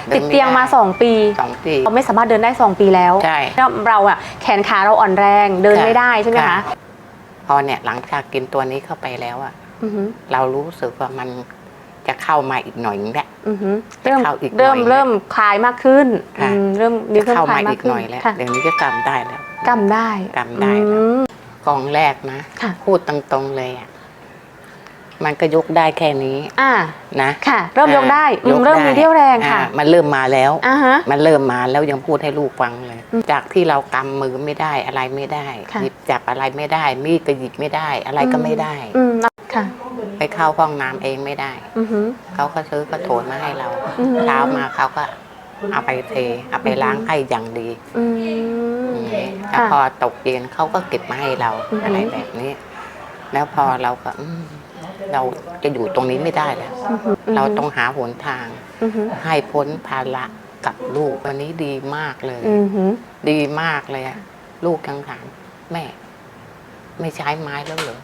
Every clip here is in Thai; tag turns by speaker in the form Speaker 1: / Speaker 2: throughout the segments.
Speaker 1: ติดเตียงมา2 ปีเราไม่สามารถเดินได้2 ปีแล้ว
Speaker 2: ใช่
Speaker 1: เราอะแขนขาเราอ่อนแรงเดินไม่ได้ใช่ไหมคะ
Speaker 2: พอเนี่ยหลังจากกินตัวนี้เข้าไปแล้วอะเรารู้สึกว่ามันจะเข้ามาอีกหน่อยนึงแหละ
Speaker 1: เริ่มคลายมากขึ้นเริ่ม
Speaker 2: เข้ามาอีกหน่อยแล้วเดี๋ยวนี้ก็กำได้แล้ว
Speaker 1: กำได้
Speaker 2: แล้วกองแรกนะพูดตรงๆเลยอะมันก็ยกได้แค่นี้นะ
Speaker 1: ค่ะเริ่มยกได้เริ่มมีเรี่ยวแรงค่ะ
Speaker 2: มันเริ่มมาแล้วมันเริ่มมาแล้วยังพูดให้ลูกฟังเลยจากที่เรากำมือไม่ได้อะไรไม่ได้หยิบจับอะไรไม่ได้มีดก็หยิบไม่ได้อะไรก็ไม่ได้ไปเข้าห้องน้ำเองไม่ได้เขาก็ซื้อกระโถนมาให้เราเช้ามาเขาก็เอาไปเทเอาไปล้างให้อย่างดีแล้วพอตกเย็นเขาก็เก็บมาให้เราอะไรแบบนี้แล้วพอเราก็เราจะอยู่ตรงนี้ไม่ได้แล้วเราต้องหาหนทางให้พ้นภาระกับลูกวันนี้ดีมากเลยดีมากเลยลูกยังถามแม่ไม่ใช้ไม้แล้วเหรอ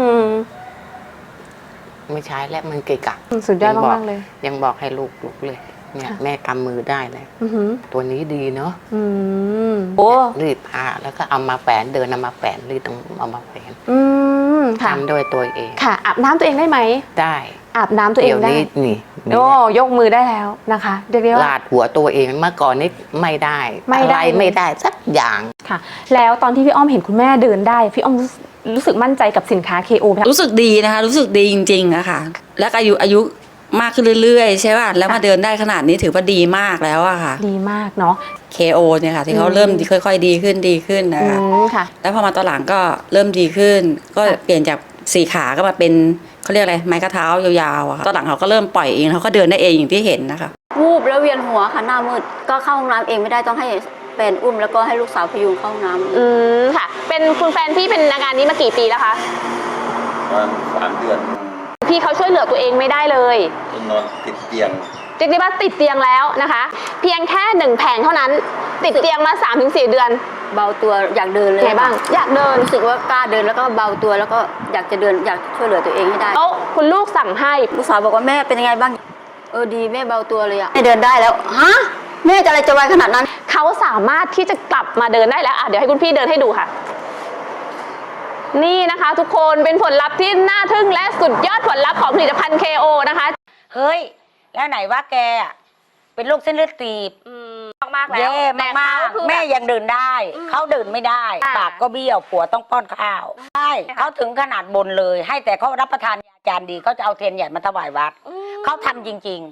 Speaker 2: ไม่ใช้แล้วมันเกะกะ
Speaker 1: สุดยอดมากเลย
Speaker 2: ยังบอกให้ลูกเลยเนี่ยแม่กำมือได้เลยตัวนี้ดีเนาะรีดผ้าแล้วก็เอามาแฝนเดินเอามาแฝนรีดต้องเอามาแฝนทำโดยตัวเอง
Speaker 1: ค่ะอาบน้ำตัวเองได้ไหม
Speaker 2: ได้
Speaker 1: อาบน้ำตัวเองได้
Speaker 2: นี่
Speaker 1: โอ้ยกมือได้แล้วนะคะเรียกได้ว่า
Speaker 2: ลาดหัวตัวเองเมื่อก่อนนี้ไม่ได้อะไรไม่ได้สักอย่าง
Speaker 1: ค่ะแล้วตอนที่พี่อ้อมเห็นคุณแม่เดินได้พี่อ้อมรู้สึกมั่นใจกับสินค้า KO ไหม
Speaker 3: รู้สึกดีนะคะรู้สึกดีจริงๆอะค่ะแล้วอายุมากขึ้นเรื่อยๆใช่ป่ะแล้วมาเดินได้ขนาดนี้ถือว่าดีมากแล้วอะค่ะ
Speaker 1: ดีมากเนาะ
Speaker 3: KO เนี่ยค่ะที่เขาเริ่มค่อยๆดีขึ้นนะคะแล้วพอมาตอนหลังก็เริ่มดีขึ้นก็เปลี่ยนจาก4 ขาก็มาเป็นเขาเรียกอะไรไม้กระเท้ายาวๆอะค่ะตอนหลังเขาก็เริ่มปล่อยเองเขาก็เดินได้เองอย่างที่เห็นนะคะ
Speaker 4: วูบแล้วเวียนหัวค่ะหน้ามืดก็เข้าห้องน้ำเองไม่ได้ต้องให้แฟนอุ้มแล้วก็ให้ลูกสาวพยุงเข้าห้องน้
Speaker 1: ำค่ะเป็นคุณแฟนพี่เป็นอาการนี้มากี่ปีแล้วคะ
Speaker 5: ประมาณ3 เดือน
Speaker 1: พี่เขาช่วยเหลือตัวเองไม่ได้เลย
Speaker 5: นอนติดเตียง
Speaker 1: เรียกได้ว่าติดเตียงแล้วนะคะเพียงแค่1 แผงเท่านั้นติดเตียงมา 3-4 เดือน
Speaker 4: เบาตัวอยากเดินเลย
Speaker 1: ไงบ้างอยากเดิน
Speaker 4: รู้สึกว่ากล้าเดินแล้วก็เบาตัวแล้วก็อยากจะเดินอยากช่วยเหลือตัวเองให้ได้
Speaker 1: แล้วคุณลูกสั่งให้
Speaker 4: ลูกสาวบอกว่าแม่เป็นยังไงบ้างดีแม่เบาตัวเลยอะแม่เดินได้แล้วฮะแม่จะอะไรจะไวขนาดนั้น
Speaker 1: เขาสามารถที่จะกลับมาเดินได้แล้วเดี๋ยวให้คุณพี่เดินให้ดูค่ะนี่นะคะทุกคนเป็นผลลัพธ์ที่น่าทึ่งและสุดยอดผลลัพธ์ของผลิตภัณฑ์ KO นะคะ
Speaker 6: เฮ้ยแล้วไหนว่าแกเป็นโรคเส้นเลือดตีบ
Speaker 1: มากๆแล้ว
Speaker 6: แย่มากๆแม่ยังเดินได้เขาเดินไม่ได้ปากก็เบี้ยวผัวต้องป้อนข้าวใช่เขาถึงขนาดบนเลยให้แต่เขารับประทานยาจานดีเขาจะเอาเทียนใหญ่มาถวายวัดเขาทำจริงๆ